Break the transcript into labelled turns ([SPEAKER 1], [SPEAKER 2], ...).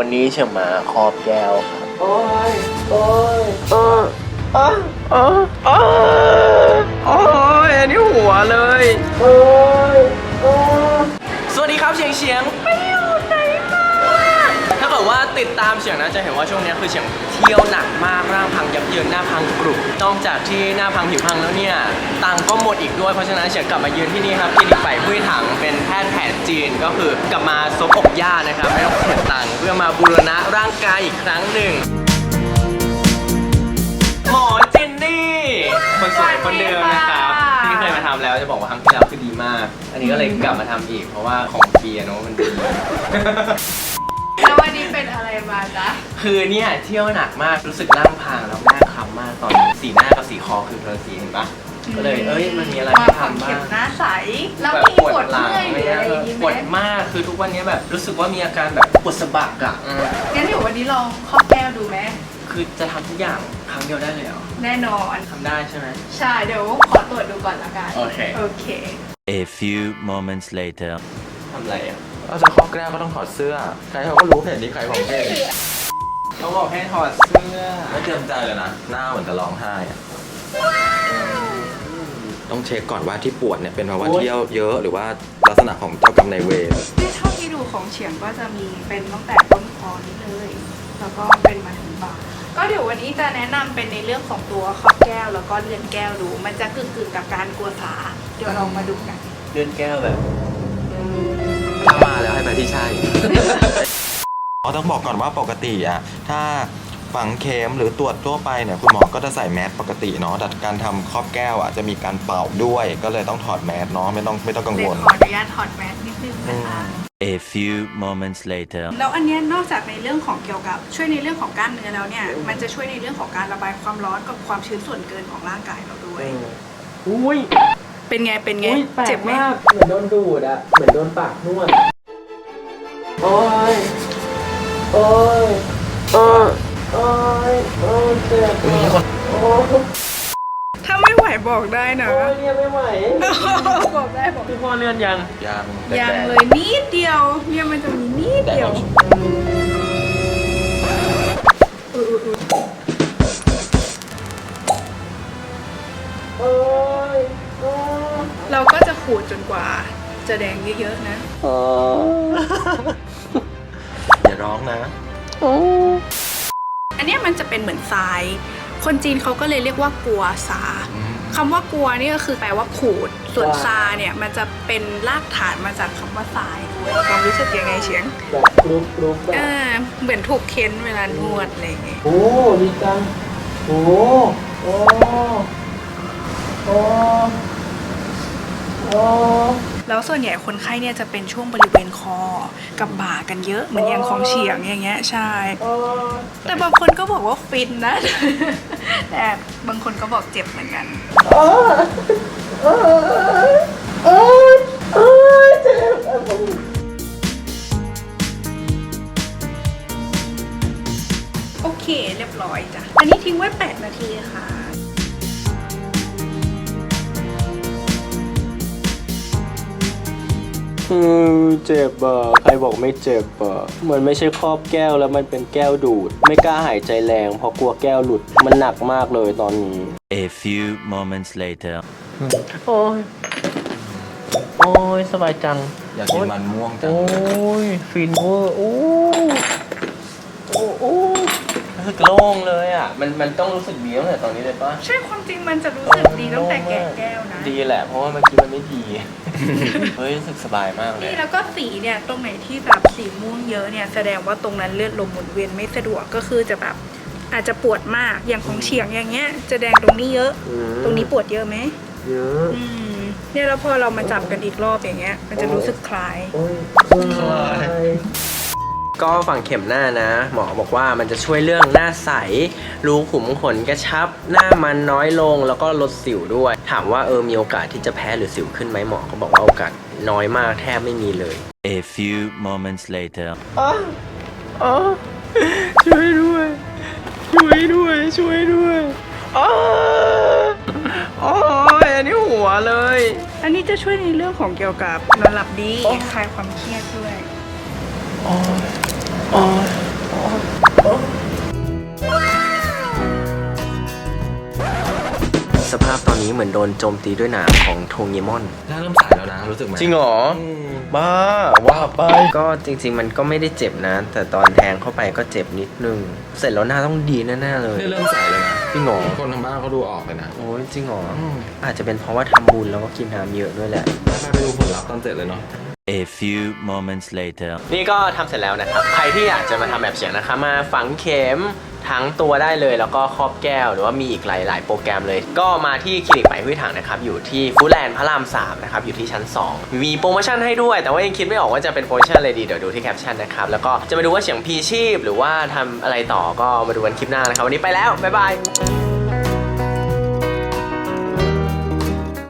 [SPEAKER 1] วันนี้เฉียงมาครอบแก้วครับโอ้ยอันนี้หัวเลยสวัสดีครับเฉียงไปอยู่ไหนมาถ้าเกิดว่าติดตามเฉียงนะจะเห็นว่าช่วงนี้คือเฉียงเที่ยวหนักมากร่างพังยับเยินหน้าพังกรุบนอกจากที่หน้าพังผิวพังแล้วเนี่ยตังก็หมดอีกด้วยเพราะฉะนั้นเฉียงกลับมายืนที่นี่ครับคลินิกไฝ่หุ้ยถังเป็นแพทย์แผนจีนก็คือกลับมาซบอกย่านะครับไม่ต้องเสียตังค์เพื่อมาบูรณะร่างกายอีกครั้งหนึ่งหมอเจนนี่คนสวยคนเดิมนะครับที่เคยมาทำแล้วจะบอกว่าครั้งที่แล้วคือดีมากอันนี้ก็เลยกลับมาทำอีกเพราะว่าของฟรีเนาะมันดี
[SPEAKER 2] แล้ววันนี้เป็นอะไรมาจ๊ะ
[SPEAKER 1] คือเนี่ยเที่ยวหนักมากรู้สึกร่างพังแล้วหน้าคล้ำมากตอนสีหน้ากับสีคอคือคนละสีเห็นปะก็เลยมันมีอะไรให้ทำบ้าง
[SPEAKER 2] หน้าใสแล้วมีปวดเมื่อยหรืออะไรอย่างงี้ไหม
[SPEAKER 1] ปวดมากคือทุกวันนี้แบบรู้สึกว่ามีอาการแบบปวดสะบักอะ
[SPEAKER 2] งั้นเดี๋ยววันนี้ลองครอบแก้วดูไหม
[SPEAKER 1] คือจะทำทุกอย่างครั้งเดียวได้เลยเหรอ
[SPEAKER 2] แน่นอน
[SPEAKER 1] ทำได้ใช่ไหม
[SPEAKER 2] ใช่เดี๋ยวขอตรวจดูก่อนละกัน
[SPEAKER 1] โอเค
[SPEAKER 3] A few moments later
[SPEAKER 1] ทำอะไรอ่ะ
[SPEAKER 4] เราจะครอบแก้วก็ต้องถอดเสื้อใครเขาก็รู้เพจนี้ใครของเพจ
[SPEAKER 1] เขาบอกให้ถอดเสื้อ
[SPEAKER 4] ไม่เตรียมใจเลยนะหน้าเหมือนจะร้องไห้อะต้องเช็คก่อนว่าที่ปวดเนี่ยเป็นเพราะว่าเที่ยวเยอะหรือว่าลักษณะของเจ้ากรรมนายเวร
[SPEAKER 2] ที่เท่าที่ดูของเฉียงก็จะมีเป็นตั้งแต่ต้นคอนี้เลยแล้วก็เป็นมาถึงบ่าก็เดี๋ยววันนี้จะแนะนำเป็นในเรื่องของตัวครอบแก้วแล้วก็เลื่อนแก้วดูมันจะกึ่งกับการกลัวสาเดี๋ยวเรามาดูกัน
[SPEAKER 1] เลื่อนแก้วแบบ
[SPEAKER 4] ถ้ามาแล้วให้ไปที่ใช่ต้องบอกก่อนว่าปกติอะถ้าฝังเข็มหรือตรวจทั่วไปเนี่ยคุณหมอก็จะใส่แมสปกติเนาะแต่การทำครอบแก้วอะจะมีการเป่าด้วยก็เลยต้องถอดแมสเนาะไม่ต้องกังวล
[SPEAKER 2] ขออนุญาตถอดแมสนิดนึงนะคะ
[SPEAKER 3] A few moments later
[SPEAKER 2] แล้วอันนี้นอกจากในเรื่องของเกี่ยวกับช่วยในเรื่องของกล้ามเนื้อแล้วเนี่ยมันจะช่วยในเรื่องของการระบายความร้อนกับความชื้นส่วนเกินของร่างกายเราด้วย
[SPEAKER 1] อุ้ย
[SPEAKER 2] เป็นไงเจ็บไหม
[SPEAKER 1] เหมือนโดนดูดอะเหมือนโดนปากนวดโอ้ยเจ็บ
[SPEAKER 2] ถ้าไม่ไหวบอกได้นะ
[SPEAKER 1] เนี่ยไม่ไหว
[SPEAKER 2] บอกได้บอก
[SPEAKER 1] พี่พ่อเลื่อนยัง
[SPEAKER 2] เลยนิดเดียวเนี่ยมันจะมีนิดเดียวเราก็จะขูดจนกว่าจะแดงเยอะๆนะ
[SPEAKER 4] อย่าร้องนะ
[SPEAKER 2] อันนี้มันจะเป็นเหมือนทรายคนจีนเขาก็เลยเรียกว่ากัวซาคำว่ากัวนี่ก็คือแปลว่าขูดส่วนซาเนี่ยมันจะเป็นรากฐานมาจากคำว่าทรายด้วยความรู้สึกยังไงเฉียง
[SPEAKER 1] แบบกรุบ
[SPEAKER 2] เหมือนถูกเค้นเวลานวดอะไรอย่างเงี้ย
[SPEAKER 1] โอ้ดีจังโอ้
[SPEAKER 2] แล้วส่วนใหญ่คนไข้เนี่ยจะเป็นช่วงบริเวณคอกับบ่ากันเยอะเหมือนอย่างของเฉียงอย่างเงี้ยใช่แต่บางคนก็บอกว่าฟินนะแต่บางคนก็บอกเจ็บเหมือนกันโอเคเรียบร้อยจ้ะอันนี้ทิ้งไว้8 นาทีค่ะ
[SPEAKER 1] เจ็บอ่ะใครบอกไม่เจ็บอ่ะมันไม่ใช่ครอบแก้วแล้วมันเป็นแก้วดูดไม่กล้าหายใจแรงเพราะกลัวแก้วหลุดมันหนักมากเลยตอนนี้
[SPEAKER 3] A few moments later
[SPEAKER 1] โอ้ยสบายจัง
[SPEAKER 4] อยากกินมันม่วงจัง
[SPEAKER 1] โอ้ยฟินเวอร์โอ้รู้สึกโล่งเลยอ่ะมันต้องรู้สึกดีตั้งแต่ตอนนี้เลยป่ะ
[SPEAKER 2] ใช่ความจริงมันจะรู้สึกดีตั้งแต่แกะแก้วนะ
[SPEAKER 1] ดีแหละเพราะว่าเมื่อกี้มันไม่ดีเฮ้ยรู้สึกสบายมากเลย
[SPEAKER 2] นี่แล้วก็สีเนี่ยตรงไหนที่แบบสีม่วงเยอะเนี่ยแสดงว่าตรงนั้นเลือดลมหมุนเวียนไม่สะดวกก็คือจะแบบอาจจะปวดมากอย่างของเฉียงอย่างเงี้ยจะแดงตรงนี้เยอะตรงนี้ปวดเยอะไหม
[SPEAKER 1] เยอะ
[SPEAKER 2] เนี่ยแล้วพอเรามาจับกันอีกรอบอย่างเงี้ยมันจะรู้สึกคลาย
[SPEAKER 1] ก็ฝั่งเข็มหน้านะหมอบอกว่ามันจะช่วยเรื่องหน้าใสรูขุมขนกระชับหน้ามันน้อยลงแล้วก็ลดสิวด้วยถามว่ามีโอกาสที่จะแพ้หรือสิวขึ้นไหมหมอก็บอกว่าโอกาสน้อยมากแทบไม่มีเลย
[SPEAKER 3] A few moments later
[SPEAKER 1] ช่วยด้วยอันนี้หัวเลย
[SPEAKER 2] อันนี้จะช่วยในเรื่องของเกี่ยวกับนอนหลับดีคลายความเครียดด้วย
[SPEAKER 1] เหมือนโดนโจมตีด้วยหนามของโทเงมอน
[SPEAKER 4] หน้าเริ่มใสแล้วนะรู้สึกไหม
[SPEAKER 1] จริงเหรอ บ้าว่าไปก็จริงๆมันก็ไม่ได้เจ็บนะ แต่ตอนแทงเข้าไปก็เจ็บนิดนึง เสร็จแล้วหน้าต้องดีแน่ๆเลย
[SPEAKER 4] เริ่มใสเลยนะ
[SPEAKER 1] จริงเหรอ
[SPEAKER 4] คนทางบ้านเขาดูออกเลยนะ
[SPEAKER 1] โอ้ยจริงเหรออาจจะเป็นเพราะว่าทำบุญแล้วก็กินน้ำเยอะด้วยแหละ
[SPEAKER 4] ไปดูผลลัพธ์ตอนเสร็จเลยเนาะ
[SPEAKER 3] A few moments later.
[SPEAKER 1] นี่ก็ทำเสร็จแล้วนะครับ ใครที่อยากจะมาทำแบบเฉียงนะคะมาฝังเข็มทั้งตัวได้เลยแล้วก็ครอบแก้วหรือว่ามีอีกหลายๆโปรแกรมเลย ก็มาที่คลินิกไหมหุ้ยถังนะครับอยู่ที่ฟู้ดแลนด์พระราม3นะครับอยู่ที่ชั้น 2 มีโปรโมชั่นให้ด้วย แต่ว่ายังคิดไม่ออกว่าจะเป็นโปรโมชั่นอะไรดีเดี๋ยวดูที่แคปชั่นนะครับแล้วก็จะมาดูว่าเฉียงพีชีพหรือว่าทำอะไรต่อก็มาดูกันคลิปหน้านะครับวันนี้ไปแล้วบ๊ายบาย